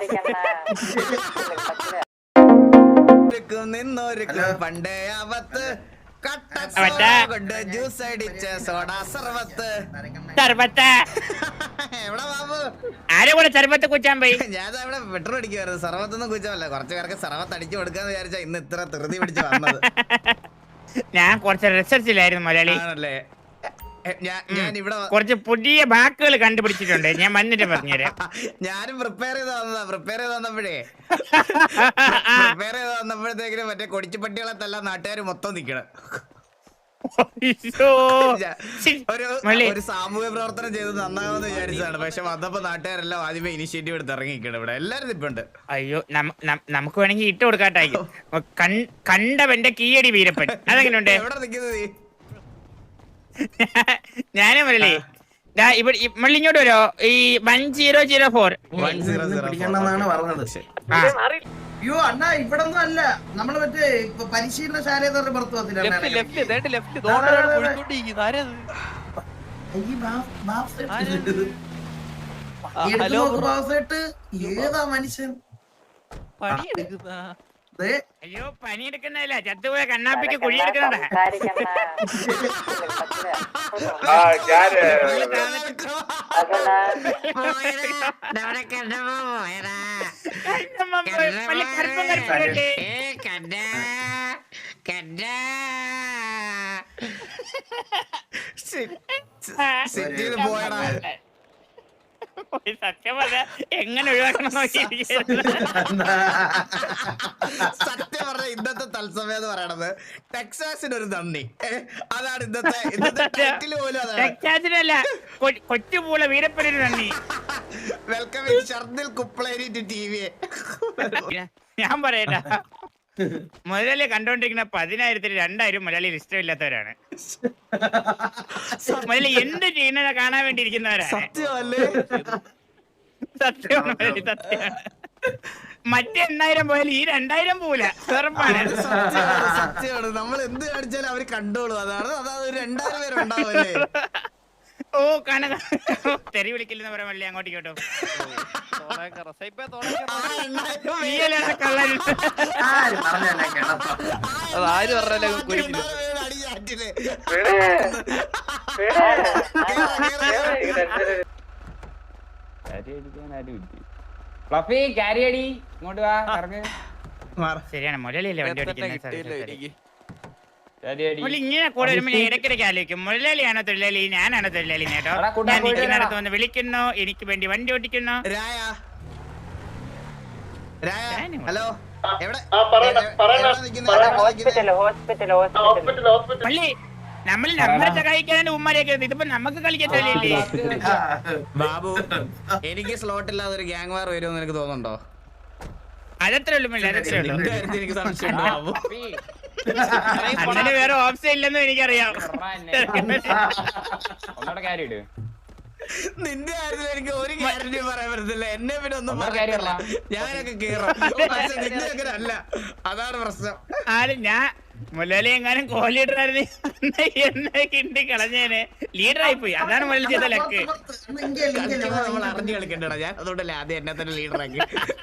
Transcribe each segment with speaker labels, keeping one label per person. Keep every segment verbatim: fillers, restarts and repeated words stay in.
Speaker 1: പണ്ടേ അവത്ത് ജ്യൂസ് അടിച്ച സോഡാ സർവത്ത് എവിടെ ബാബു
Speaker 2: ആരെ കൂടെ സർബത്ത് കുച്ചാൻ പോയി?
Speaker 1: ഞാൻ അവിടെ പെട്രോൾ അടിക്കുവായിരുന്നു. സർവത്തൊന്നും കുച്ചമല്ല, കുറച്ചു പേർക്ക് സർവത്ത് അടിച്ചു കൊടുക്കാന്ന് വിചാരിച്ചാ ഇന്ന് ഇത്ര ധൃതി പിടിച്ച് വന്നത്.
Speaker 2: ഞാൻ കുറച്ച് റിസർച്ചിലായിരുന്നു മലയാളി.
Speaker 1: ആണല്ലേ? ഞാൻ ഇവിടെ
Speaker 2: കുറച്ച് പുതിയ വാക്കുകൾ കണ്ടുപിടിച്ചിട്ടുണ്ട്, ഞാൻ വന്നിട്ട് പറഞ്ഞുതരാം.
Speaker 1: ഞാനും പ്രിപ്പയർ ചെയ്ത് വന്നതാ. പ്രിപ്പയർ ചെയ്ത് വന്നപ്പോഴേ പ്രിപ്പയർ ചെയ്ത് വന്നപ്പോഴത്തേക്കിനും മറ്റേ കൊടിച്ചുപട്ടികളെ തല്ലാം നാട്ടുകാർ മൊത്തം നിക്കണം. ഒരു സാമൂഹ്യ പ്രവർത്തനം ചെയ്ത് നന്നാവെന്ന് വിചാരിച്ചതാണ്. പക്ഷെ വന്നപ്പോ നാട്ടുകാരെല്ലാം ആദ്യമേ ഇനിഷ്യേറ്റീവ് എടുത്ത് ഇറങ്ങിക്കണം. ഇവിടെ എല്ലാരും ഇപ്പുണ്ട്.
Speaker 2: അയ്യോ, നമുക്ക് വേണമെങ്കിൽ ഇട്ട് കൊടുക്കാട്ടായിരിക്കും. കണ്ടവന്റെ കീയടി വീരപ്പൻ അതെങ്ങനെയുണ്ട്?
Speaker 1: എവിടെ നിൽക്കുന്നത് നീ?
Speaker 2: ഞാനും വരല്ലേ ഇവിടെ മള്ളി ഇങ്ങോട്ട് വരോ? ഈ വൺ സീറോ സീറോ ഫോർ
Speaker 3: പിടിക്കണമെന്നാണ് പറഞ്ഞത്. അയ്യോ അണ്ണാ, ഇവിടെ ഒന്നും അല്ല, നമ്മള് മറ്റേ പരിശീലനശാല പുറത്തു വന്നില്ല. ഏതാ മനുഷ്യൻ?
Speaker 2: അയ്യോ, പണിയെടുക്കുന്നതല്ല, ചത്തുപോയ കണ്ണാപ്പിക്ക് കുഴിയെടുക്കുന്നതാ. സത്യം പറഞ്ഞ എങ്ങനെ ഒഴിവാക്കണം
Speaker 1: സത്യം പറഞ്ഞ ഇന്നത്തെ തത്സമയം എന്ന് പറയണത് ടെക്സാസിന് ഒരു നന്ദി. അതാണ് ഇന്നത്തെ ഇന്നത്തെ ടൈറ്റിൽ പോലും.
Speaker 2: ടെക്സാസിനല്ല, കൊച്ചുപൂള വീരപ്പനൊരു നന്ദി.
Speaker 1: Welcome Shardil Kupleri to T V.
Speaker 2: ഞാൻ പറയട്ടാ, മുതലേ കണ്ടോണ്ടിരിക്കുന്ന പതിനായിരത്തിന് രണ്ടായിരം മലയാളിയിൽ ഇഷ്ടമില്ലാത്തവരാണ്. മുതലേ എന്ത് ചെയ്യുന്നത് കാണാൻ വേണ്ടി ഇരിക്കുന്നവരാണ്.
Speaker 1: സത്യമല്ലേ?
Speaker 2: സത്യമാണ്, സത്യമാണ്. മറ്റേ എണ്ണായിരം പോയാലും ഈ രണ്ടായിരം പോല ഉറപ്പാണ്.
Speaker 1: സത്യമാണ്. നമ്മൾ എന്ത് കാണിച്ചാലും അവര് കണ്ടോളൂ. അതാണ് അതായത് രണ്ടായിരം പേരുണ്ടാവല്ലേ.
Speaker 2: ഓ കാണ തെറി വിളിക്കില്ലെന്ന് പറയാൻ വള്ളി അങ്ങോട്ട് കേട്ടോ.
Speaker 4: ആര് പറഞ്ഞാലും
Speaker 2: ശരിയാണ്, മുരളിയല്ലേ വണ്ടി ഓടിക്കുന്നത്. ഇങ്ങനെ കൂടെ വരുമ്പോ ഞാൻ ഇടയ്ക്കിടയ്ക്ക് ആലോചിക്കും, മുരളിയാണോ തൊഴിലാളി, ഞാനാണോ തൊഴിലാളി കേട്ടോ. ഞാൻ നിൽക്കുന്നിടത്ത് വന്ന് വിളിക്കുന്നു, എനിക്ക് വേണ്ടി വണ്ടി ഓടിക്കുന്നു.
Speaker 1: ഹലോ,
Speaker 2: പള്ളി നമ്മൾ നമ്മളെ സഹായിക്കാനാണ് ഉമ്മാരെയൊക്കെ. ഇതിപ്പോ നമുക്ക് കളിക്കത്തില്ലേ
Speaker 1: ബാബു? എനിക്ക് സ്ലോട്ട് ഇല്ലാതെ ഒരു ഗ്യാങ് വാർ വരുമെന്ന് എനിക്ക് തോന്നുന്നുണ്ടോ?
Speaker 2: അതത്രേ ഉള്ളൂ മള്ളി, അതത്രേ ഉള്ളൂ.
Speaker 1: എനിക്ക് സംശയമുണ്ട് ബാബു.
Speaker 2: അങ്ങനെ വേറെ ഓപ്ഷൻ ഇല്ലെന്നും എനിക്കറിയാം.
Speaker 1: നിന്റെ കാര്യത്തിൽ എനിക്ക് ഒരു ഗ്യാരണ്ടി പറയാൻ പറ്റത്തില്ല. എന്നെ പിന്നെ ഒന്നും ഞാനൊക്കെ കേറും. നിന്റെ അങ്ങനെ അല്ല, അതാണ് പ്രശ്നം.
Speaker 2: ആരും ഞാൻ മുരളി എങ്ങാനും കോ ലീഡർ ആയിരുന്നു എന്നെ കിണ്ടി കളഞ്ഞേനെ. ലീഡറായി പോയി, അതാണ് മുരളി ചെയ്ത ലക്ക്.
Speaker 1: നമ്മൾ അറിഞ്ഞു കളിക്കണ്ടടാ ഞാൻ, അതുകൊണ്ടല്ലേ ആദ്യം എന്നെ തന്നെ ലീഡറാക്കി.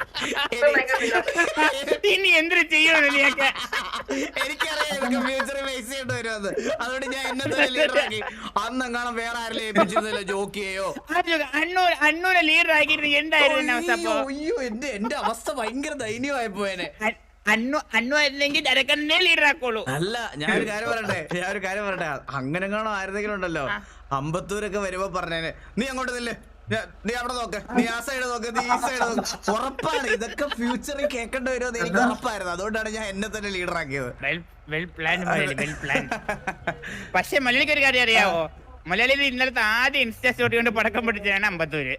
Speaker 2: ഇനി എന്തൊരു ചെയ്യണോ നീയൊക്കെ?
Speaker 1: എനിക്കറിയാം ഫ്യൂച്ചറിൽ ഫേസ് ചെയ്യേണ്ടി വരുമെന്ന്, അതുകൊണ്ട് ഞാൻ എന്നെ തന്നെ ലീഡറാക്കി. അന്നെങ്ങാനും വേറെ ആരെങ്കിലും ഏൽപ്പിച്ചിരുന്നില്ല ജോക്കിയെയോ.
Speaker 2: അണ്ണൂർ അണ്ണൂരെ ലീഡർ ആക്കിയിരുന്നു എന്തായിരുന്നു അവസ്ഥ?
Speaker 1: അയ്യോ, എന്റെ എന്റെ അവസ്ഥ ഭയങ്കര ദയനീയമായി പോയേനെ.
Speaker 2: അന്നു അന്നു ആയിരുന്നെങ്കിൽ ജരക്കന്നെ ലീഡർ ആക്കോളൂ.
Speaker 1: അല്ല, ഞാനൊരു കാര്യം പറയട്ടെ ഞാൻ ഒരു കാര്യം പറയട്ടെ അങ്ങനെ കാണോ ആയിരുന്നെങ്കിലും ഉണ്ടല്ലോ, അമ്പത്തൂരൊക്കെ വരുമ്പോ പറഞ്ഞേനെ, നീ അങ്ങോട്ട് നില്ലേ, നീ അവിടെ നോക്ക്, നീ ആ സൈഡ് നോക്ക്, നീ ഈ സൈഡ് നോക്ക്. ഉറപ്പാണ് ഇതൊക്കെ ഫ്യൂച്ചറിൽ കേൾക്കേണ്ടി വരുമെന്ന് എനിക്ക് ഉറപ്പായിരുന്നു. അതുകൊണ്ടാണ് ഞാൻ എന്നെ തന്നെ ലീഡർ ആക്കിയത്.
Speaker 2: പക്ഷെ മലയാളിക്ക് ഒരു കാര്യം അറിയാവോ? മലയാളിയിൽ ഇന്നലത്തെ ആദ്യം ഇൻസ്റ്റാ സ്റ്റോറി കൊണ്ട് പടക്കം പിടിച്ചതാണ് അമ്പത്തൂര്.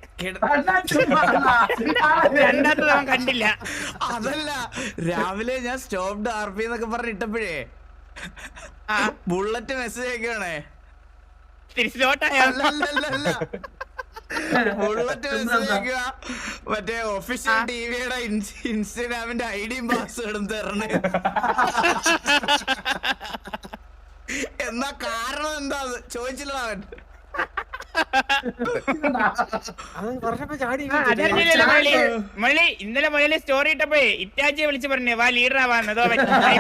Speaker 2: രണ്ടാമത്തെ അവൻ കണ്ടില്ല.
Speaker 1: അതല്ല, രാവിലെ ഞാൻ സ്റ്റോപ്ഡ് ആർ പി എന്നൊക്കെ പറഞ്ഞ് ഇട്ടപ്പോഴേ ബുള്ളറ്റ് മെസ്സേജ് അയക്കണേ.
Speaker 2: തിരിച്ചോട്ടായോ?
Speaker 1: ബുള്ളറ്റ് മെസ്സേജ് അയക്കുക, മറ്റേ ഒഫീഷ്യൽ ടിവിയുടെ ഇൻസ്റ്റാഗ്രാമിന്റെ ഐഡിയും പാസ്വേഡും തരണേ. എന്നാ കാരണം എന്താ ചോദിച്ചില്ല അവൻ.
Speaker 2: അതറിഞ്ഞില്ലല്ലോ മുരളി. മുരളി ഇന്നലെ മുരളി സ്റ്റോറി ഇട്ടപ്പോഴേ ഇറ്റാച്ചിയെ വിളിച്ച് പറഞ്ഞേ വാ ലീഡർ ആവാന്ന്. അതോ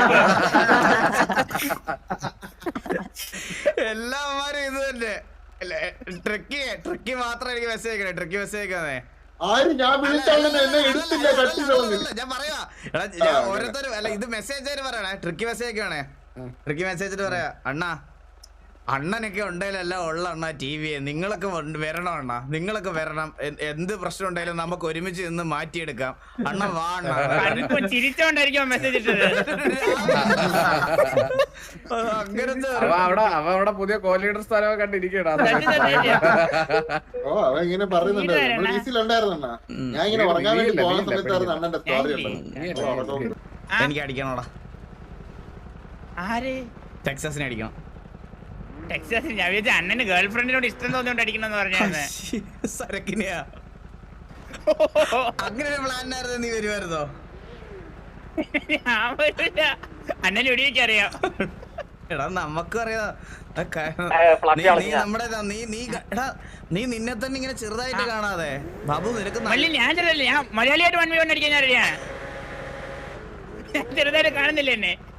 Speaker 1: എല്ലാവരും ഇത് തന്നെ ട്രിക്കി ട്രിക്കി മാത്രം എനിക്ക് മെസ്സേജ് അയക്കണേ. ട്രിക്കി മെസ്സേജ് അയക്കാന്നേ.
Speaker 5: ആര് ഞാൻ വിളിച്ചാലും എന്നെ എടുത്തില്ല കട്ടില്ല
Speaker 1: ഞാൻ പറയാ എടാ ഞാൻ ഓരോരുത്തരും അല്ല ഇത് മെസ്സേജ് ആയിട്ട് പറയണേ. ട്രിക്കി മെസ്സേജ് അയക്കുവാണേ. ട്രിക്കി മെസ്സേജ് പറയാ അണ്ണാ അണ്ണനൊക്കെ ഉണ്ടെങ്കിലല്ല ഉള്ള അണ്ണാ ടി വി നിങ്ങളൊക്കെ വരണം അണ്ണാ. നിങ്ങളൊക്കെ വരണം. എന്ത് പ്രശ്നം ഉണ്ടെങ്കിലും നമുക്ക് ഒരുമിച്ച് നിന്ന് മാറ്റിയെടുക്കാം. അണ്ണ വാ അണ്ണാ.
Speaker 2: ചിരിച്ചോണ്ടായിരിക്കും മെസ്സേജ് ഇട്ടത്.
Speaker 1: അങ്ങനത്തെ
Speaker 6: അവിടെ അവ അവിടെ പുതിയ കോലീഡർ സ്ഥലമൊക്കെ കണ്ടിരിക്കണ.
Speaker 5: ഓ അവ ഇങ്ങനെ പറയുന്നുണ്ട് വീസിലുണ്ടായിരുന്ന ഞാൻ ഇങ്ങനെ ഉറങ്ങാൻ വേണ്ടി പോകുന്ന സമയത്തായിരുന്നു അണ്ണന്റെ സ്റ്റോറി ഉള്ളത്.
Speaker 1: എനിക്ക് അടിക്കണോടാ.
Speaker 2: ആര്
Speaker 1: ടെക്സസിനെ അടിക്കണം.
Speaker 2: ടെക്സാസ് ഞാൻ വിചാരിച്ച അണ്ണന് ഗേൾ ഫ്രണ്ടിനോട് ഇഷ്ടം തോന്നിയോണ്ട് അടിക്കണമെന്ന് പറഞ്ഞായിരുന്നു.
Speaker 1: സരക്കിനെയാ അങ്ങനെ ഒരു പ്ലാനായിരുന്നു. നീ വരുമായിരുന്നോ?
Speaker 2: അണ്ണന് എവിടെയൊക്കെ അറിയാം.
Speaker 1: എടാ നമുക്കും അറിയാം. നീ നമ്മുടെ നീ നീ എടാ നീ നിന്നെ തന്നെ ഇങ്ങനെ ചെറുതായിട്ട് കാണാതെ ബാബു നിനക്ക്
Speaker 2: മള്ളി ഞാൻ ചെറുതല്ലേ. ഞാൻ മലയാളിയായിട്ട് വൺ വി വൺ അടിക്കാൻ ഞാൻ അറിയാം. ചെറുതായിട്ട് കാണുന്നില്ല എന്നെ.